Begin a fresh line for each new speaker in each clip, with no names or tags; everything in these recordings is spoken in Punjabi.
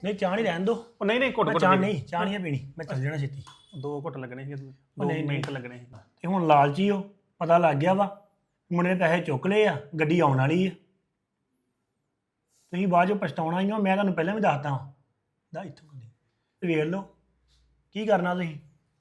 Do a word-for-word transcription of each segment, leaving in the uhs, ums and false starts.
ਨਹੀਂ ਚਾਹ ਨਹੀਂ ਰਹਿਣ ਦੋ।
ਉਹ ਨਹੀਂ ਨਹੀਂ ਘੁੱਟ
ਮੈਂ
ਘੁੱਟ
ਚਾਹ
ਪੀ।
ਨਹੀਂ ਚਾਹ ਨਹੀਂ ਪੀਣੀ, ਮੈਂ ਚੱਲ ਜਾਣਾ ਛੇਤੀ।
ਦੋ ਘੁੱਟ ਲੱਗਣੇ ਸੀ ਦੋ
ਨਹੀਂ,
ਮਿੰਟ ਲੱਗਣੇ ਸੀ।
ਤੇ ਹੁਣ ਲਾਲਚੀ ਹੋ, ਪਤਾ ਲੱਗ ਗਿਆ ਵਾ ਮੁੰਡੇ ਨੇ ਪੈਸੇ ਚੁੱਕ ਲਏ ਆ, ਗੱਡੀ ਆਉਣ ਵਾਲੀ ਆ। ਤੁਸੀਂ ਬਾਅਦ ਚੋਂ ਪਛਤਾਉਣਾ ਹੀ ਹੋ, ਮੈਂ ਤੁਹਾਨੂੰ ਪਹਿਲਾਂ ਵੀ ਦੱਸਦਾ ਹਾਂ। ਦਾ ਇੱਥੋਂ ਗੱਡੀ ਤੇ ਵੇਖ ਲਓ ਕੀ ਕਰਨਾ ਤੁਸੀਂ।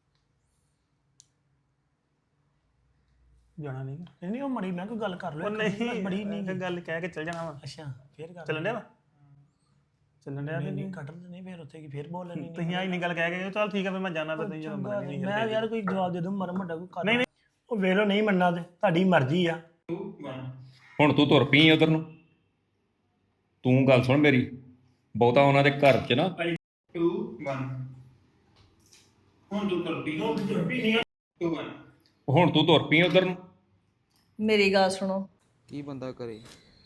ਜਾਣਾ ਨਹੀਂ
ਨਹੀਂ ਨਹੀਂ ਉਹ ਮੜੀ ਮੈਂ ਕੋਈ ਗੱਲ ਕਰ ਲਓ।
ਉਹ ਨਹੀਂ
ਬੜੀ ਨਹੀਂ
ਇੱਕ ਗੱਲ ਕਹਿ ਕੇ ਚੱਲ ਜਾਣਾ ਵਾ।
ਅੱਛਾ ਫੇਰ ਕਰ
ਚੱਲਣ ਡਿਆ ਵਾ ਚੱਲਣ ਡਿਆ
ਨਹੀਂ
ਤੇ
ਨਹੀਂ ਕੱਢ ਨਹੀਂ ਫੇਰ ਉੱਥੇ ਕੀ ਫੇਰ ਬੋਲ ਲੈਣੀ
ਤੁਸੀਂ ਆਹ ਇੰਨੀ ਗੱਲ ਕਹਿ ਕੇ ਚੱਲ ਠੀਕ ਹੈ ਫਿਰ ਮੈਂ ਜਾਣਾ ਤਾਂ ਤੁਸੀਂ ਜਦੋਂ ਮੰਨਣੀ ਨਹੀਂ
ਮੈਂ ਯਾਰ ਕੋਈ ਜਵਾਬ ਦੇ ਦੂੰ ਮਰ ਮੱਡਾ ਕੋਈ ਕਰ
ਨਹੀਂ, ਨਹੀਂ।
ਉਹ ਵੇਖ ਲਓ ਨਹੀਂ ਮੰਨਣਾ ਤੇ ਤੁਹਾਡੀ ਮਰਜ਼ੀ ਆ।
ਹੁਣ ਤੂੰ ਤੁਰ ਪਈ ਉਧਰ ਨੂੰ। ਤੂੰ ਗੱਲ ਸੁਣ ਮੇਰੀ, ਬਹੁਤਾ ਉਹਨਾਂ ਦੇ ਘਰ 'ਚ ਨਾ
two one ਹੁਣ ਤੂੰ ਤੁਰ ਪਈ ਹੁਣ ਤੂੰ ਤੁਰ ਪਈ ਨਹੀਂ two one
ਹੁਣ ਤੂੰ ਤੁਰ ਪਈ ਉਧਰ ਨੂੰ।
ਮੇਰੀ ਗੱਲ ਸੁਣੋ।
ਕੀ ਬੰਦਾ ਕਰੇ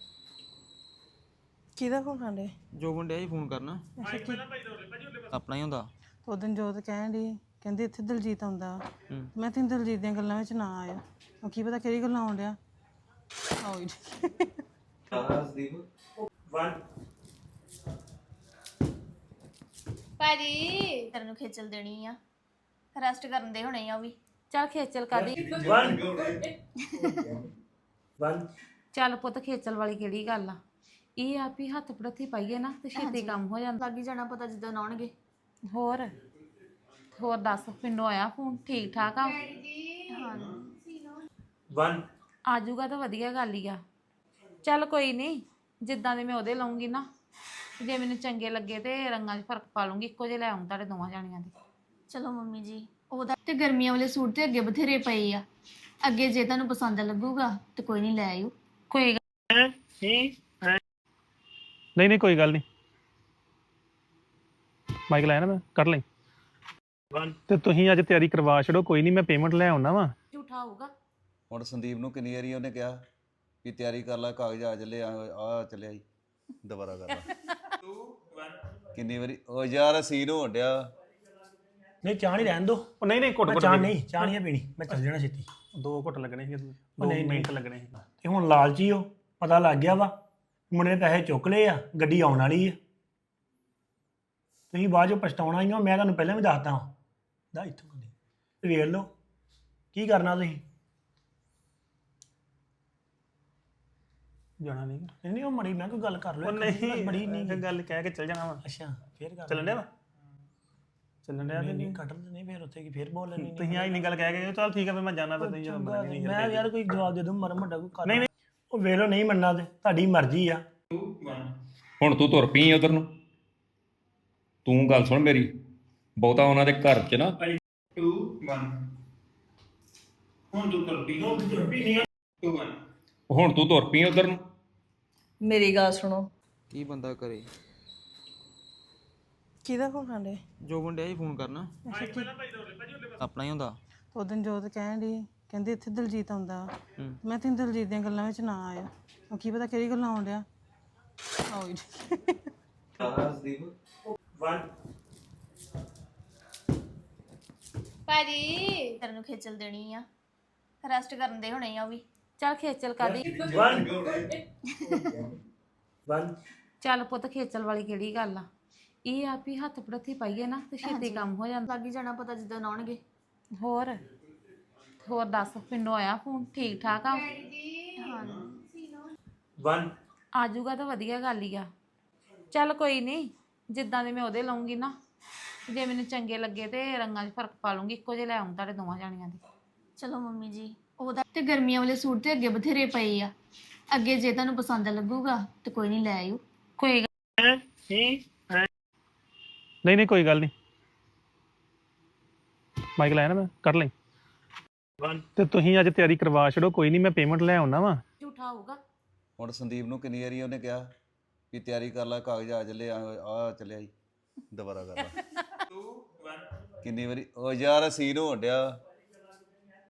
ਕਿਹਦਾ ਫੋਨ ਆਂਦੇ
ਜੋ ਮੁੰਡਿਆ ਹੀ ਫੋਨ ਕਰਨਾ ਆਪਣਾ ਹੀ ਹੁੰਦਾ।
ਉਹ ਦਿਨ ਜੋਤ ਕਹਿਣ ਦੀ ਕਹਿੰਦੇ ਇੱਥੇ ਦਲਜੀਤ ਆਉਂਦਾ।
ਹੂੰ।
ਮੈਂ ਤੈਨੂੰ ਦਲਜੀਤ ਦੀਆਂ ਗੱਲਾਂ ਵਿੱਚ ਨਾ ਆਇਆ। ਉਹ ਕੀ ਪਤਾ ਕਿਹੜੀ ਗੱਲਾਂ ਆਉਣ ਡਿਆ। ਆਓ ਜੀ
ਭਾਜੀ ਤੈਨੂੰ ਖੇਚਲ ਦੇਣੀ ਆ, ਰੈਸਟ ਕਰਨ ਦੇ ਹੁਣੇ ਆ ਉਹ ਵੀ।
ਚੱਲ ਖੇਚਲ ਕਾਦੀ
ਵਨ
ਚੱਲ ਪੁੱਤ ਖੇਚਲ ਵਾਲੀ ਕਿਹੜੀ ਗੱਲ ਆ। ਇਹ ਆ ਵੀ ਹੱਥ ਪੜਥੀ ਪਾਈਏ ਨਾ ਤੇ ਛੇਤੀ ਕੰਮ ਹੋ ਜਾਂਦਾ।
ਲੱਗ ਹੀ ਜਾਣਾ ਪਤਾ ਜਿੱਦਾਂ ਆਉਣਗੇ।
ਹੋਰ ਹੋਰ ਦੱਸ ਪਿੰਡੋਂ ਆਇਆ ਫੋਨ ਠੀਕ ਠਾਕ ਆ।
ਵਨ
ਆ ਜਾਊਗਾ ਤਾਂ ਵਧੀਆ ਗੱਲ ਹੀ ਆ। ਚੱਲ ਕੋਈ ਨਹੀਂ ਜਿੱਦਾਂ ਦੇ ਮੈਂ ਉਹਦੇ ਲਾਉਂਗੀ ਨਾ, ਜੇ ਮੈਨੂੰ ਚੰਗੇ ਲੱਗੇ ਤੇ ਰੰਗਾਂ 'ਚ ਫਰਕ ਪਾ ਲੂੰਗੀ, ਇੱਕੋ ਜਿਹੇ ਲੈ ਆਉਂ ਤੁਹਾਡੇ ਦੋਵਾਂ ਜਾਣੀਆਂ ਦੇ।
ਚਲੋ ਮੰਮੀ ਜੀ ਉਹਦਾ ਤੇ ਗਰਮੀਆਂ ਵਾਲੇ ਸੂਟ ਤੇ ਅੱਗੇ ਬਥੇਰੇ ਪਏ ਆ, ਅੱਗੇ ਜੇ ਤੁਹਾਨੂੰ ਪਸੰਦ ਲੱਗੂਗਾ ਤੇ ਕੋਈ ਨਹੀਂ ਲੈ ਆਇਓ।
ਕੋਈ ਗੱਲ
ਨਹੀਂ ਨਹੀਂ ਕੋਈ ਗੱਲ ਨਹੀਂ ਮਾਈਕ ਲਾਇਆ ਨਾ ਮੈਂ ਕਰ ਲਈ ਤੇ ਤੁਸੀਂ ਅੱਜ ਤਿਆਰੀ ਕਰਵਾ ਛੱਡੋ ਕੋਈ ਨਹੀਂ ਮੈਂ ਪੇਮੈਂਟ ਲੈ ਆਉਣਾ ਵਾ।
ਝੂਠਾ ਹੋਊਗਾ।
ਹੁਣ ਸੰਦੀਪ ਨੂੰ ਕਿੰਨੀ ਵਾਰੀ ਉਹਨੇ ਕਿਹਾ ਵੀ ਤਿਆਰੀ ਕਰ ਲੈ, ਕਾਗਜ਼ ਆ ਚੱਲੇ ਆ ਆ ਚੱਲਿਆ ਜੀ ਦੁਬਾਰਾ ਕਰ ਲੈ ਕਿੰਨੀ ਵਾਰੀ। ਉਹ ਯਾਰ ਸੀਨ ਹੋਣ ਡਿਆ।
ਨਹੀਂ ਚਾਹ ਨਹੀਂ ਰਹਿਣ ਦੋ।
ਉਹ ਨਹੀਂ ਨਹੀਂ ਘੁੱਟ
ਮੈਂ
ਘੁੱਟ
ਚਾਹ
ਪੀ।
ਨਹੀਂ ਚਾਹ ਨਹੀਂ ਪੀਣੀ, ਮੈਂ ਚੱਲ ਜਾਣਾ ਛੇਤੀ।
ਦੋ ਘੁੱਟ ਲੱਗਣੇ ਸੀ ਦੋ
ਨਹੀਂ,
ਮਿੰਟ ਲੱਗਣੇ ਸੀ।
ਤੇ ਹੁਣ ਲਾਲਚੀ ਹੋ, ਪਤਾ ਲੱਗ ਗਿਆ ਵਾ ਮੁੰਡੇ ਨੇ ਪੈਸੇ ਚੁੱਕ ਲਏ ਆ, ਗੱਡੀ ਆਉਣ ਵਾਲੀ ਆ। ਤੁਸੀਂ ਬਾਅਦ ਚੋਂ ਪਛਤਾਉਣਾ ਹੀ ਹੋ, ਮੈਂ ਤੁਹਾਨੂੰ ਪਹਿਲਾਂ ਵੀ ਦੱਸਦਾ ਹਾਂ। ਦਾ ਇੱਥੋਂ ਗੱਡੀ ਤੇ ਵੇਖ ਲਓ ਕੀ ਕਰਨਾ ਤੁਸੀਂ।
ਜਾਣਾ ਨਹੀਂ
ਨਹੀਂ ਨਹੀਂ ਉਹ ਮੜੀ ਮੈਂ ਕੋਈ ਗੱਲ ਕਰ ਲਓ।
ਉਹ ਨਹੀਂ
ਬੜੀ ਨਹੀਂ
ਇੱਕ ਗੱਲ ਕਹਿ ਕੇ ਚੱਲ ਜਾਣਾ ਵਾ।
ਅੱਛਾ ਫੇਰ ਕਰ
ਚੱਲਣ ਡਿਆ ਵਾ ਚੱਲਣ ਡਿਆ ਤੇ
ਨਹੀਂ
ਨਹੀਂ
ਨਹੀਂ ਕੱਢ ਨਹੀਂ ਫੇਰ ਉੱਥੇ ਕੀ ਫੇਰ ਬੋਲ ਲੈਣੀ।
ਤੁਸੀਂ ਆਹ ਇੰਨੀ ਗੱਲ ਕਹਿ ਕੇ ਚੱਲ ਠੀਕ ਹੈ ਫਿਰ ਮੈਂ ਜਾਣਾ ਤਾਂ ਤੁਸੀਂ ਜਦੋਂ ਮੰਨਣੀ ਨਹੀਂ।
ਮੈਂ ਯਾਰ ਕੋਈ ਜਵਾਬ ਦੇ ਦੂੰ ਮਰ ਮੱਡਾ ਕੋਈ ਕਰ
ਨਹੀਂ, ਨਹੀਂ।
ਉਹ ਵੇਖ ਲਓ ਨਹੀਂ ਮੰਨਣਾ ਤੇ ਤੁਹਾਡੀ ਮਰਜ਼ੀ ਆ।
two one
ਹੁਣ ਤੂੰ ਤੁਰ ਪਈ ਉਧਰ ਨੂੰ। ਤੂੰ ਗੱਲ ਸੁਣ ਮੇਰੀ, ਬਹੁਤਾ ਉਹਨਾਂ ਦੇ ਘਰ 'ਚ ਨਾ
two one ਹੁਣ ਤੂੰ ਤੁਰ ਪਈ ਹੁਣ ਤੂੰ ਤੁਰ ਪਈ ਨਹੀਂ two one
ਹੁਣ ਤੂੰ ਤੁਰ ਪਈ ਉਧਰ ਨੂੰ।
ਮੇਰੀ ਗੱਲ ਸੁਣੋ।
ਕੀ ਬੰਦਾ ਕਰੇ
ਕਿਹਦਾ ਫੋਨ ਆਂਦੇ
ਜੋ ਮੁੰਡਿਆ ਹੀ ਫੋਨ ਕਰਨਾ ਆਪਣਾ ਹੀ ਹੁੰਦਾ।
ਉਹ ਦਿਨ ਜੋਤ ਕਹਿਣ ਦੀ ਕਹਿੰਦੇ ਇੱਥੇ ਦਲਜੀਤ ਆਉਂਦਾ।
ਹੂੰ।
ਮੈਂ ਤੈਨੂੰ ਦਲਜੀਤ ਦੀਆਂ ਗੱਲਾਂ ਵਿੱਚ ਨਾ ਆਇਆ। ਉਹ ਕੀ ਪਤਾ ਕਿਹੜੀ ਗੱਲਾਂ ਆਉਣ ਡਿਆ। ਆਓ ਜੀ
ਵਨ
ਭਾਜੀ ਤੈਨੂੰ ਖੇਚਲ ਦੇਣੀ ਆ, ਰੈਸਟ ਕਰਨ ਦੇ ਹੁਣੇ ਆ ਉਹ ਵੀ।
ਚੱਲ ਖੇਚਲ ਕਾਦੀ
ਵਨ ਵਨ
ਚੱਲ ਪੁੱਤ ਖੇਚਲ ਵਾਲੀ ਕਿਹੜੀ ਗੱਲ ਆ। ਇਹ ਆ ਵੀ ਹੱਥ ਪੜਥੀ ਪਾਈਏ ਨਾ ਤੇ ਛੇਤੀ ਕੰਮ ਹੋ ਜਾਂਦਾ।
ਲੱਗ ਹੀ ਜਾਣਾ ਪਤਾ ਜਿੱਦਾਂ ਆਉਣਗੇ।
ਹੋਰ ਹੋਰ ਦੱਸ ਪਿੰਡੋਂ ਆਇਆ ਫੋਨ ਠੀਕ ਠਾਕ ਆ।
ਵਨ
ਆ ਜਾਊਗਾ ਤਾਂ ਵਧੀਆ ਗੱਲ ਹੀ ਆ। ਚੱਲ ਕੋਈ ਨਹੀਂ ਜਿੱਦਾਂ ਦੇ ਮੈਂ ਉਹਦੇ ਲਾਉਂਗੀ ਨਾ, ਜੇ ਮੈਨੂੰ ਚੰਗੇ ਲੱਗੇ ਤੇ ਰੰਗਾਂ 'ਚ ਫਰਕ ਪਾ ਲੂੰਗੀ, ਇੱਕੋ ਜਿਹੇ ਲੈ ਆਉਂ ਤੁਹਾਡੇ ਦੋਵਾਂ ਜਾਣੀਆਂ ਦੇ।
ਚਲੋ ਮੰਮੀ ਜੀ ਉਹਦਾ ਤੇ ਗਰਮੀਆਂ ਵਾਲੇ ਸੂਟ ਤੇ ਅੱਗੇ ਬਥੇਰੇ ਪਏ ਆ, ਅੱਗੇ ਜੇ ਤੁਹਾਨੂੰ ਪਸੰਦ ਲੱਗੂਗਾ ਤੇ ਕੋਈ ਨਹੀਂ ਲੈ ਆਇਓ।
ਕੋਈ ਗੱਲ
ਨਹੀਂ ਨਹੀਂ ਕੋਈ ਗੱਲ ਨਹੀਂ ਮਾਈਕ ਲਾਇਆ ਨਾ ਮੈਂ ਕਰ ਲਈ ਤੇ ਤੁਸੀਂ ਅੱਜ ਤਿਆਰੀ ਕਰਵਾ ਛੱਡੋ ਕੋਈ ਨਹੀਂ ਮੈਂ ਪੇਮੈਂਟ ਲੈ ਆਉਣਾ ਵਾ।
ਝੂਠਾ ਹੋਊਗਾ।
ਹੁਣ ਸੰਦੀਪ ਨੂੰ ਕਿੰਨੀ ਵਾਰੀ ਉਹਨੇ ਕਿਹਾ ਵੀ ਤਿਆਰੀ ਕਰ ਲੈ, ਕਾਗਜ਼ ਆ ਚੱਲੇ ਆ ਆ ਚੱਲਿਆ ਜੀ ਦੁਬਾਰਾ ਕਰ ਲੈ
two one
ਕਿੰਨੀ ਵਾਰੀ। ਉਹ ਯਾਰ ਸੀਨ ਹੋਣ ਡਿਆ।